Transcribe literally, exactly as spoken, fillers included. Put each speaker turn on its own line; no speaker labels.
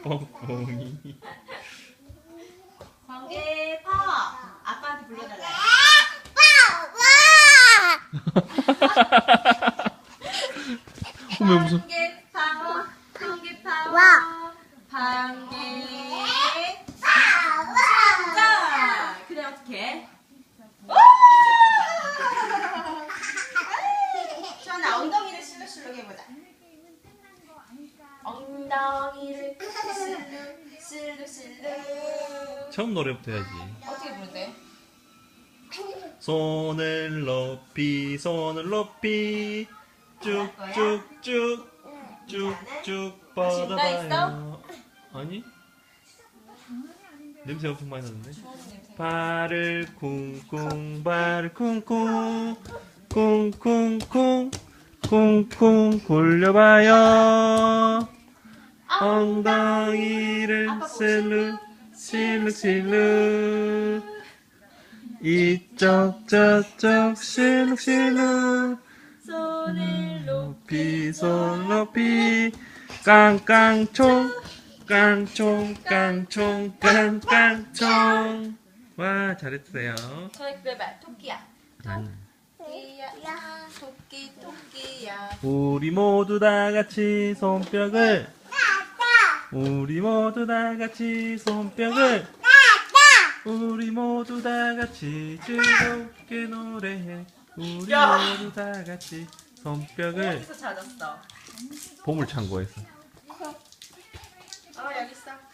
뻥뻥이.
번개 파워. 아빠한테 불러달라.
어머 무슨?
번개 파워. 번개 파워. 번개. 자, 그다음 어떻게? 저는 엉덩이를 실룩실룩 해보자. 엉덩이를 실룩 실룩 실룩.
처음 노래부터 해야지.
어떻게 부른대?
손을 높이 손을 높이 쭉쭉쭉 쭉쭉 뻗어봐요. 아니? 냄새 엄청 많이 나는데? 발을 쿵쿵 발을 쿵쿵 쿵쿵쿵 쿵쿵 굴려봐요. 엉덩이를 실룩 실룩 실룩 이쪽 저쪽 실룩 실룩
손을
높이 손 높이 깡깡총 깡총 깡총 깡깡총. 와 잘했어요.
저희 그래봐. 토끼야.
음.
토끼야. 토끼 토끼야.
우리 모두 다 같이 손뼉을 우리 모두 다 같이 손뼉을 우리 모두 다 같이 즐겁게 노래해. 우리
야!
모두 다 같이 손뼉을.
어디서 찾았어?
보물창고에서.
어 여기 있어.